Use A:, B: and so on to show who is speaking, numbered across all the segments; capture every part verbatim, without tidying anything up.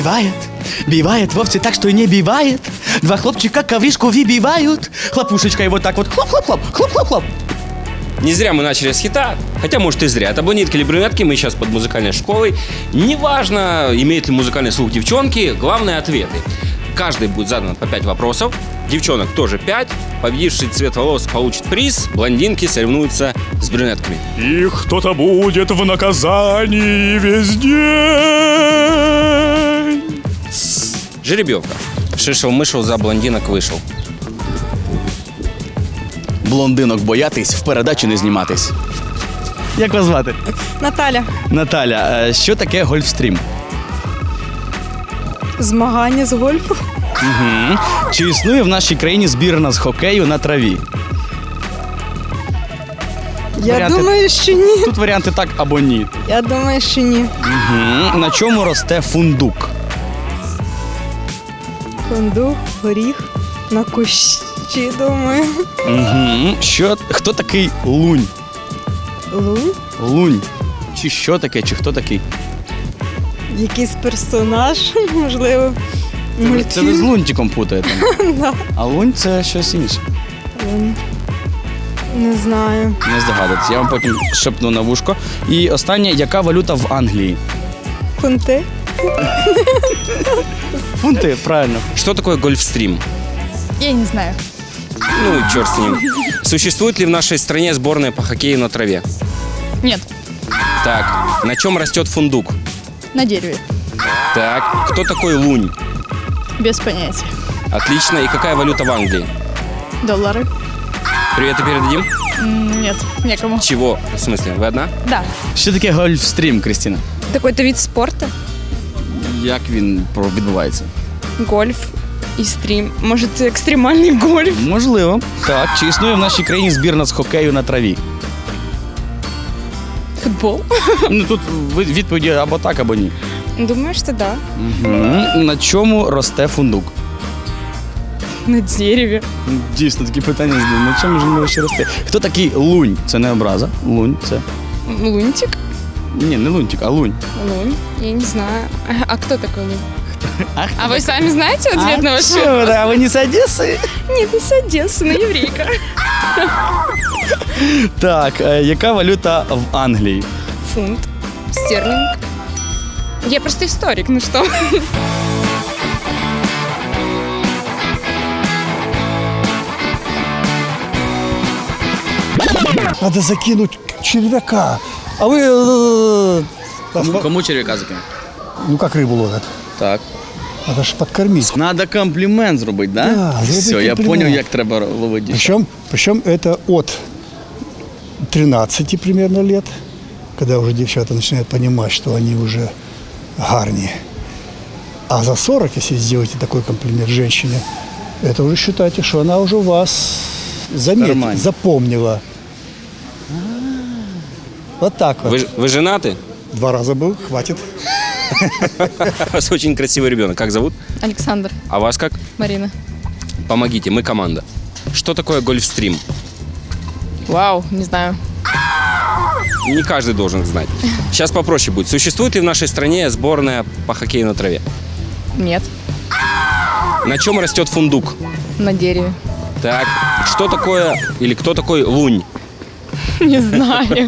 A: бывает, бывает вовсе так, что и не бывает. Два хлопчика ковришку выбивают, хлопушечкой вот так вот хлоп-хлоп-хлоп, хлоп-хлоп-хлоп.
B: Не зря мы начали с хита, хотя, может, и зря. Это блондинки или брюнетки, мы сейчас под музыкальной школой. Неважно, имеет ли музыкальный слух девчонки, главное — ответы. Каждый будет задан по пять вопросов, девчонок тоже пять. Победивший цвет волос получит приз, блондинки соревнуются с брюнетками.
C: И кто-то будет в наказании весь день.
B: Жеребьевка. Шишел-мышел, за блондинок вышел.
A: Блондинок боятись, в передачі не зніматись. Як вас звати?
D: Наталя.
A: Наталя, е, що таке гольфстрім?
D: Змагання з гольфу.
A: Угу. Чи існує в нашій країні збірна з хокею на траві?
D: Я
A: Варіанти-
D: думаю, що ні.
A: Тут варіанти так або ні.
D: Я думаю, що ні.
A: Угу. На чому росте фундук?
D: Фундук, горіх, на кущі, думаю.
A: Угу. Що, хто такий лунь?
D: Лунь?
A: Лунь. Чи що таке, чи хто такий?
D: Якийсь персонаж, можливо.
A: Це ви з
D: Мультфільм.
A: лунтиком путаєте. А лунь це щось інше.
D: Лунь. Не знаю.
A: Не здогадуєтесь. Я вам потім шепну на вушко. І останнє, яка валюта в Англії?
D: Фунти?
A: Фунти, правильно.
B: Что такое гольфстрим?
E: Я не знаю.
B: Ну, черт с ним. Существует ли в нашей стране сборная по хоккею на траве?
E: Нет.
B: Так, на чем растет фундук?
E: На дереве.
B: Так, кто такой лунь?
E: Без понятия.
B: Отлично. И какая валюта в Англии?
E: Доллары?
B: Приветы передадим?
E: М, Нет, некому.
B: Чего? В смысле, вы одна?
E: Да.
A: Що таке гольфстрім, Крістіна?
F: Такой-то вид спорта.
A: Як він про- відбувається?
F: Гольф и стрим. Может, экстремальный гольф?
A: Можливо. Так, чи існує в нашій країні збірна з хокею на траві?
F: Футбол?
A: Ну тут ви- відповіді або так, або ні.
F: Думаю, что да.
A: Угу. На чому росте фундук?
F: На дереве.
A: Дійсно, такі питання задаю. На чому ж він ще росте? Хто такий лунь? Це не образа. Лунь це.
F: Лунтик?
A: Ні, не лунтик, а лунь.
F: Лунь? Я не знаю. А, а кто такой лунь?
A: А,
F: А вы сами знаете ответ на ваш
A: чё,
F: вопрос?
A: да, ви не з Одеси?
F: Нет, не с Одессы, но еврейка.
A: Так, е, яка валюта в Англії?
F: Фунт. Стерлинг. Я просто историк, ну что?
G: Надо закинуть червяка. А вы... э,
A: Кому, кому черв'яка закинути?
G: Ну, как рыбу ловят.
A: Так.
G: Надо ж подкормить.
A: Надо комплімент зробити, да?
G: Да, зробити
A: Все, я
G: комплімент.
A: зрозумів, як треба ловити.
G: Причем, причем это от тринадцати примерно лет, когда уже девчата начинают понимать, что они уже гарни. А за сорок, если сделаете такой комплимент женщине, это уже считайте, что она уже вас заметила,
A: кармане.
G: запомнила. Вот так вот.
B: Вы, ж- вы женаты?
G: Два раза был, хватит.
B: У вас очень красивый ребенок. Как зовут?
E: Александр.
B: А вас как?
E: Марина.
B: Помогите, мы команда. Что такое гольфстрим?
E: Вау, не знаю.
B: Не каждый должен знать. Сейчас попроще будет. Существует ли в нашей стране сборная по хоккею на траве?
E: Нет.
B: На чем растет фундук?
E: На дереве.
B: Так, что такое или кто такой лунь?
E: Не знаю.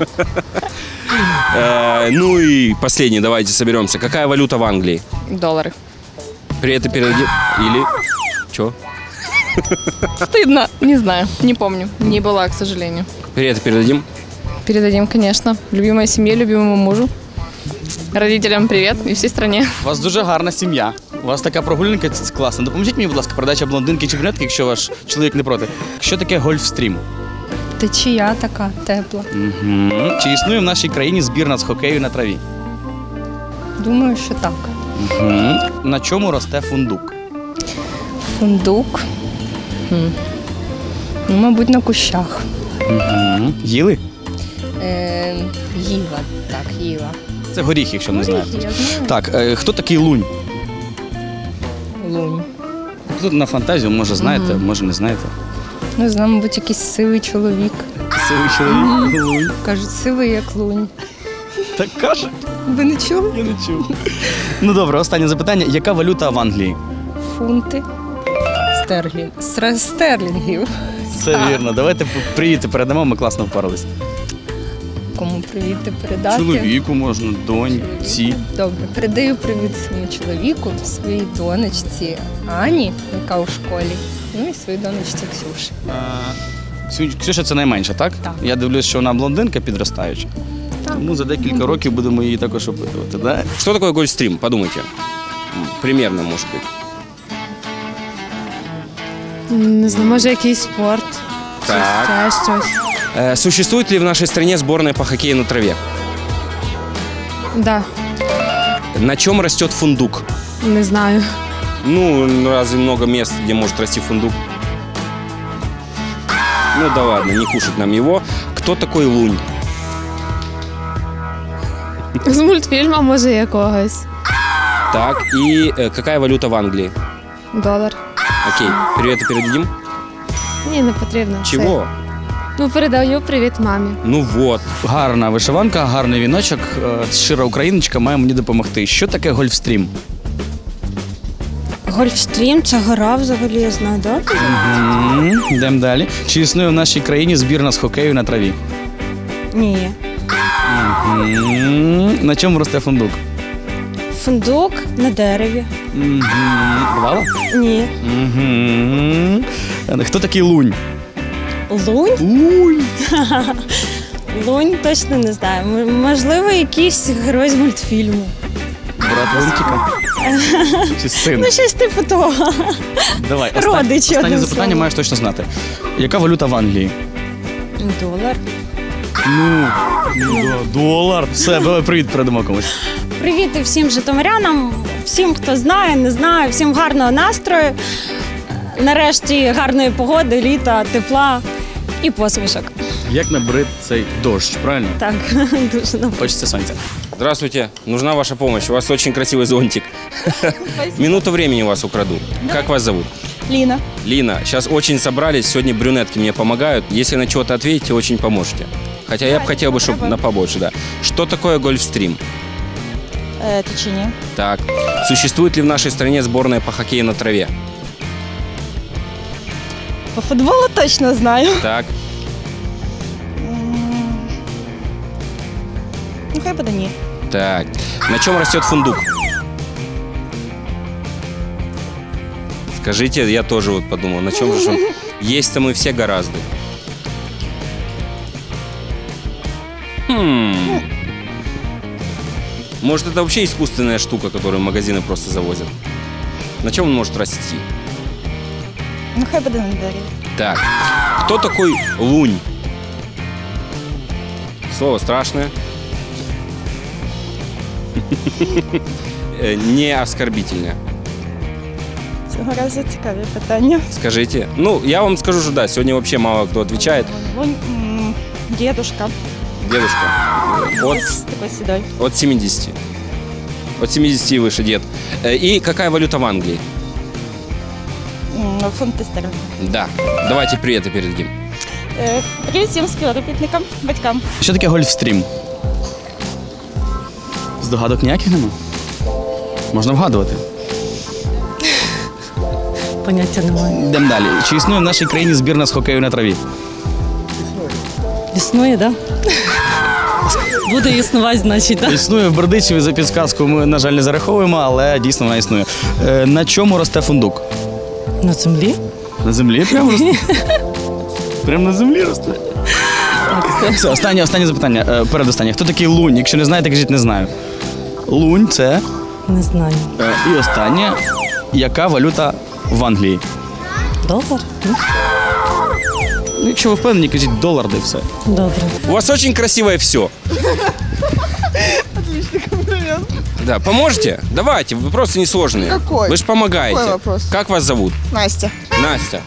B: Э, ну и последний, давайте соберемся. Какая валюта в Англии?
E: Доллары.
B: Приветы передадим? Или... Чё?
E: Стыдно. Не знаю. Не помню. Не была, к сожалению.
B: Приветы передадим?
E: Передадим, конечно. Любимой семье, любимому мужу. Родителям привет и всей стране.
A: У вас дуже гарна сім'я. У вас така прогулянка це класна. Допоможіть мені, будь ласка, передача блондинки чи брюнетки, якщо ваш чоловік не проти. Що таке гольфстрім?
H: Течія така тепла.
A: Угу. Чи існує в нашій країні збірна з хокею на траві?
H: Думаю, що так.
A: Угу. На чому росте фундук?
H: Фундук. Хм. Ну, мабуть, на кущах.
A: Угу. Їли?
H: Е, їла. Так, їла.
A: Це горіх, якщо не знаєте.
H: Я знаю.
A: Так, е, хто такий лунь?
H: Лунь.
A: Тут на фантазію, може знаєте, може не знаєте.
H: Не знаю, мабуть, якийсь сивий чоловік.
A: Сивий чоловік. Лунь.
H: Кажуть, сивий як лунь.
A: Так каже?
H: Ви не чули?
A: Я не чув. Ну добре, останнє запитання. Яка валюта в Англії?
H: Фунти. Стерлінг. Сра- Стерлінгів.
A: Це вірно. Давайте привіти передамо, ми класно впорались.
H: Кому привіти передати?
A: Чоловіку можна, доньці.
H: Добре, передаю привіт своєму чоловіку, своїй донечці Ані, яка у школі, ну і своїй донечці Ксюші.
A: Ксю- Ксюша це найменша, так?
H: Так.
A: Я дивлюсь, що вона блондинка підростаюча. Тому за декілька років будемо її також опитувати, да?
B: Что такое гольфстрим? Подумайте. М, Примерно, может быть.
I: Не знаю, може якийсь спорт,
B: Так.
I: ще щось.
B: Э, Существует ли в нашей стране сборная по хоккею на траве?
I: Да,
B: На чем растет фундук?
I: не знаю.
B: Ну, разве много мест, где может расти фундук? Ну да ладно, не кушать нам его. Кто такой лунь?
I: З мультфільму, може, якогось.
B: Так, и э, какая валюта в Англии?
I: Долар.
B: Окей, привет передадим?
I: Ні, не потрібно.
B: Чего?
I: Це- Ну, передаю привіт мамі.
B: Ну вот.
A: Гарна вишиванка, гарний віночок. Е, Щира україночка має мені допомогти. Що таке гольфстрім?
D: Гольфстрім це гора взагалі, я знаю, так?
A: Мгм. Йдемо далі. Чи існує в нашій країні збірна з хокею на траві?
D: Ні.
A: Мгм. На чому росте фундук?
D: Фундук на дереві.
A: Мгм. Бувало?
D: Ні.
A: Мгм. Хто такий лунь?
D: Лунь?
A: Лунь.
D: Лунь точно не знаю. М- Можливо, якийсь герой з мультфільму.
A: Брат Лунтика? Чи син?
D: Ну, щось типу того.
A: Давай,
D: родичі,
A: останнє, останнє
D: одним
A: запитання
D: словом.
A: маєш точно знати. Яка валюта в Англії?
D: Долар.
A: Ну, да, долар. Все, давай привіт передамо комусь.
D: Привіт і всім житомирянам, всім, хто знає, не знає, всім гарного настрою. Нарешті гарної погоди, літа, тепла і посмішок.
A: Як набрид цей дощ, правильно?
D: Так, дуже нам.
A: Хочеться сонця.
B: Здравствуйте, нужна ваша помощь. У вас очень красивый зонтик. Минуту времени у вас украду. Как вас зовут?
D: Ліна.
B: Лина, сейчас очень собрались, сегодня брюнетки мне помогают. Если на что-то ответите, очень поможете. Хотя я бы хотел бы, чтобы на побольше, да. Что такое гольфстрим?
D: Е, Течені.
B: Так. Существует ли в нашей стране сборная по хоккею на траве?
D: По футболу точно знаю.
B: Так.
D: Ну, хай буде ні.
B: Так. На чем растет фундук? Скажите, я тоже вот подумал, на чем же он? Есть-то мы все гораздо. Хм. Может, это вообще искусственная штука, которую магазины просто завозят? На чем он может расти?
D: Ну, хай буде на дереві.
B: Так. Кто такой лунь? Слово страшное. Э, Не оскорбительное.
D: Цього разу цікаві питання.
B: Скажите. Ну, я вам скажу, что да, сегодня вообще мало кто отвечает.
D: Лунь, м, дедушка.
B: Дедушка. От,
D: Ось такий сідой.
B: от семидесяти. От семидесяти и выше дед. Э, И какая валюта в Англии?
D: М, Фунти стерлінги.
B: Да. Давайте приветы передадим.
D: Е, Привіт всім співробітникам, батькам.
A: Що таке гольфстрім? Здогадок ніяких нема? Можна вгадувати.
D: Поняття немає.
A: Йдемо далі. Чи існує в нашій країні збірна з хокею на траві?
D: Існує, так? Да? Буде існувати, значить, так?
A: Існує в Бердичеві, за підсказку ми, на жаль, не зараховуємо, але дійсно вона існує. Е, на чому росте фундук?
D: На землі?
A: На землі прямо росте? Прямо на землі росте? Все, останнє, останнє запитання. Е, передостаннє. Хто такий лунь? Якщо не знаєте, кажіть, не знаю. Лунь – це...
D: Не знаю.
A: Е, і останнє. Яка валюта в Англії?
D: Долар?
A: Ну, якщо ви впевнені, кажіть долар, де все.
D: Добре.
B: У вас очень красивое все.
J: Отличный комплимент.
B: Да, поможете? Давайте, вопросы несложные.
J: Какой?
B: Вы же помогаете.
J: Какой вопрос?
B: Как вас зовут?
J: Настя.
B: Настя.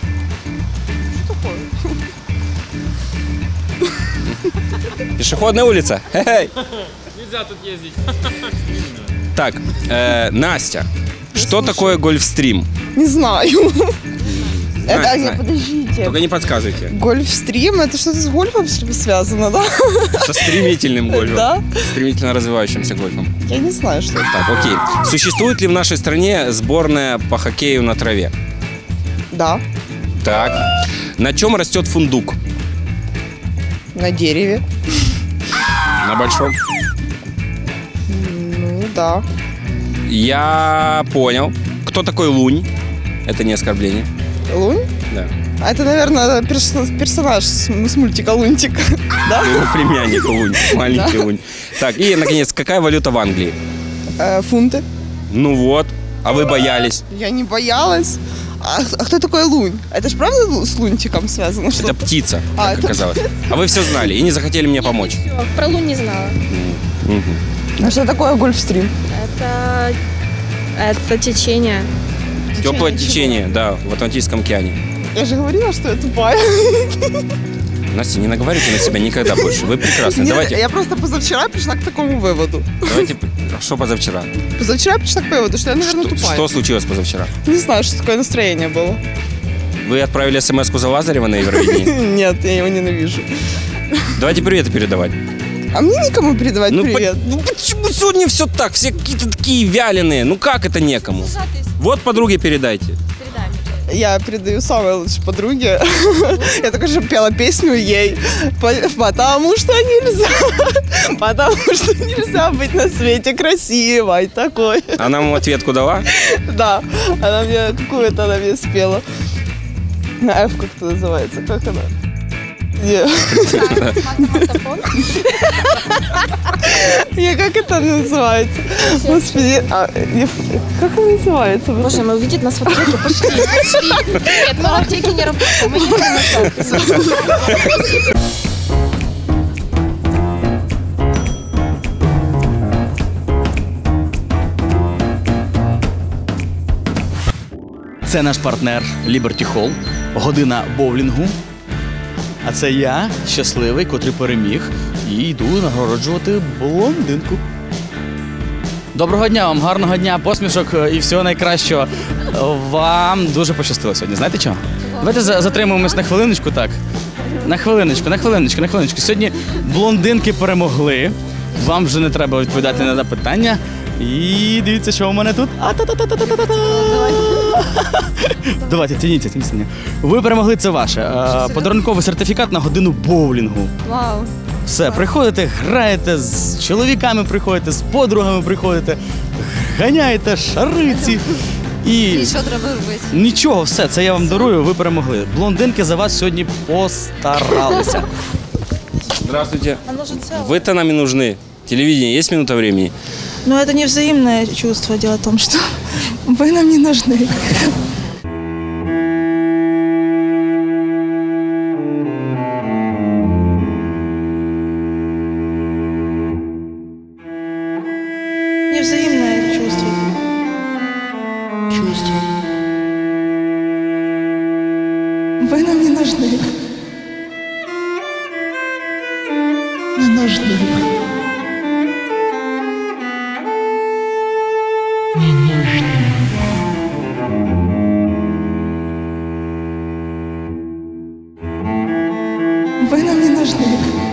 B: Пешеходная улица. Хе-хей.
C: Нельзя тут ездить.
B: Так, э, Настя, что такое гольфстрим?
J: Не знаю.
B: Знаю,
J: Это,
B: знаю.
J: не, подождите.
B: Только не подсказывайте.
J: Гольфстрим, это что-то с гольфом связано, да?
B: Со стремительным гольфом.
J: Да?
B: Стремительно развивающимся гольфом.
J: Я не знаю, что это.
B: Так, окей. Существует ли в нашей стране сборная по хоккею на траве?
J: Да.
B: Так. На чем растет фундук?
J: На дереве.
B: На большом.
J: Ну, да.
B: Я понял. Кто такой Лунь? Это не оскорбление.
J: Лунь?
B: Да.
J: А это, наверное, перс- персонаж с, с мультика Лунтик. Да?
B: Его племянник Лунь. Маленький Лунь. Так, и, наконец, какая валюта в Англии?
J: Э, фунты.
B: Ну вот. А вы боялись?
J: Я не боялась. А, а кто такой Лунь? Это ж правда лу- с Лунтиком связано?
B: Это
J: Что-то?
B: птица,
J: А,
B: как
J: это
B: оказалось. А вы все знали и не захотели мне помочь.
D: Про Лунь не знала.
B: Мгм.
J: А что такое гольфстрим?
D: Это, это течение.
B: Теплое течение, да, в Атлантическом океане.
J: Я же говорила, что я тупая.
B: Настя, не наговаривайте на себя никогда больше. Вы прекрасны.
J: Нет,
B: Давайте,
J: Я просто позавчера пришла к такому выводу.
B: давайте, что позавчера?
J: Позавчера пришла к выводу, что я, наверное,
B: Что,
J: тупая.
B: что случилось позавчера?
J: Не знаю, что такое настроение было.
B: Вы отправили смс-ку за Лазарева на Евровидении?
J: Нет, я его ненавижу.
B: Давайте приветы передавать.
J: А мне никому передавать
B: Ну,
J: привет.
B: по- ну почему сегодня все так? Все какие-то такие вяленые. Ну как это некому? Вот подруге передайте.
J: Я передаю самой лучшей подруге. Я только что пела песню ей. По- Потому что нельзя. Потому что нельзя быть на свете красивой такой.
B: Она вам ответку дала?
J: Да. Она мне какую-то она мне спела. На F как это называется? Как она? Не. Не, как это называется? Господи, а, не- как она называется?
D: Боже, мы увидят нас в аптеке. Пошли, пошли. Нет, мы в аптеке не работаем. Мы не
A: Це наш партнер Liberty Hall, година боулінгу. А це я, щасливий, котрий переміг, і йду нагороджувати блондинку. Доброго дня вам, гарного дня, посмішок і всього найкращого. Вам дуже пощастило сьогодні. Знаєте чого? Давайте за- затримуємось на хвилиночку, так. На хвилиночку, на хвилиночку, на хвилиночку. Сьогодні блондинки перемогли. Вам вже не треба відповідати на запитання. І дивіться, що у мене тут. А-та-та-та-та-та-та-та. Давайте, тяніться, тяніться. Ви перемогли, це ваше. Е, Подарунковий сертифікат на годину боулінгу.
D: Вау.
A: Все, приходите, граєте, з чоловіками приходите, з подругами приходите, ганяєте, шариці. І
I: І що треба робити?
A: нічого, все, це я вам дарую, ви перемогли. Блондинки за вас сьогодні постаралися.
B: Здравствуйте. Вы-то нам и нужны. Телевидение, есть минута времени?
K: Но это не взаимное чувство. Дело в том, что вы нам не нужны. Невзаимное чувство. Чувство. Вы нам не нужны. Не нужны. Не нужны. Вы нам не нужны.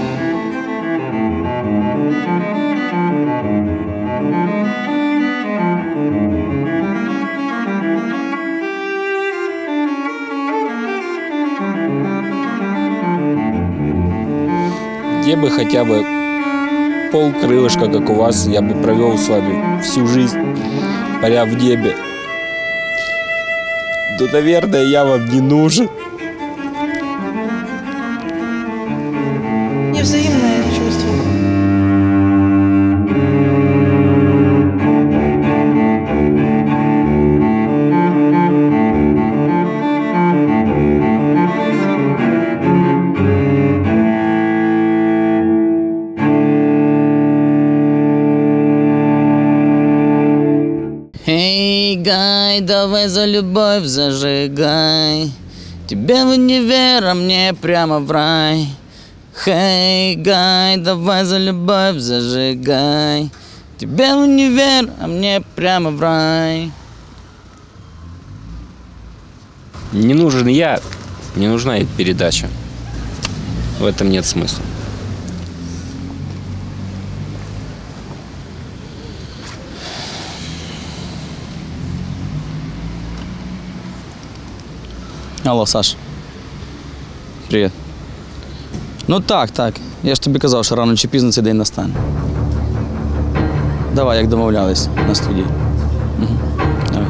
B: Где бы хотя бы полкрылышка, как у вас, я бы провел с вами всю жизнь, паря в небе. Да, наверное, я вам не нужен.
K: Невзаимное чувство.
A: Эй, гай, давай за любовь зажигай. Тебе в универ, а мне прямо в рай. Хей, гай, давай за любовь зажигай. Тебе в универ, а мне прямо в рай.
B: Не нужен я, не нужна и передача. В этом нет смысла.
A: Алло, Саш. Привіт. Ну так, так. Я ж тобі казав, що рано чи пізно цей день настане. Давай, як домовлялись на студії. Угу. Давай.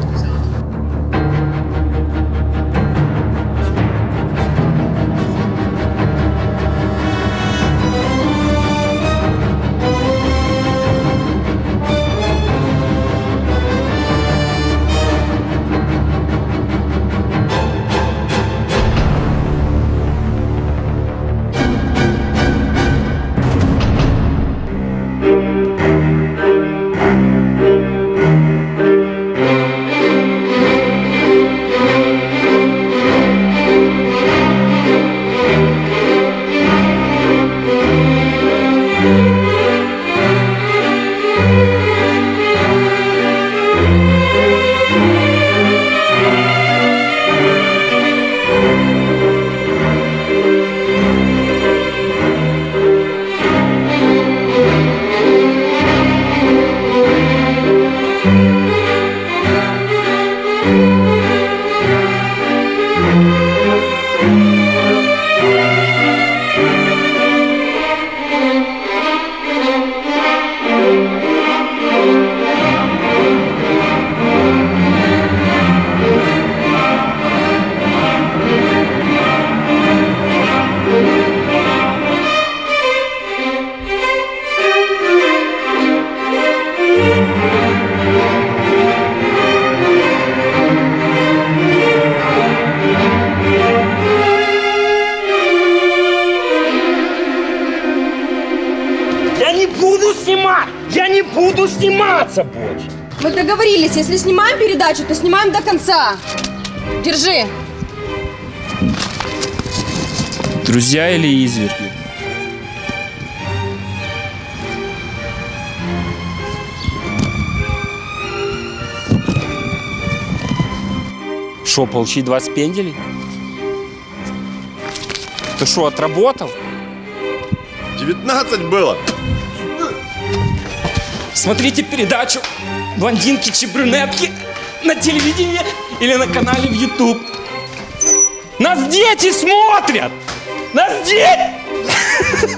L: Я не буду сниматься больше.
M: Мы договорились, если снимаем передачу, то снимаем до конца. Держи.
B: Друзья или изверги? Шо, получи двадцать пенделей? Ты шо, отработал?
N: девятнадцать было.
B: Смотрите передачу «Блондинки чи брюнетки» на телевидении или на канале в YouTube. Нас дети смотрят! Нас дети!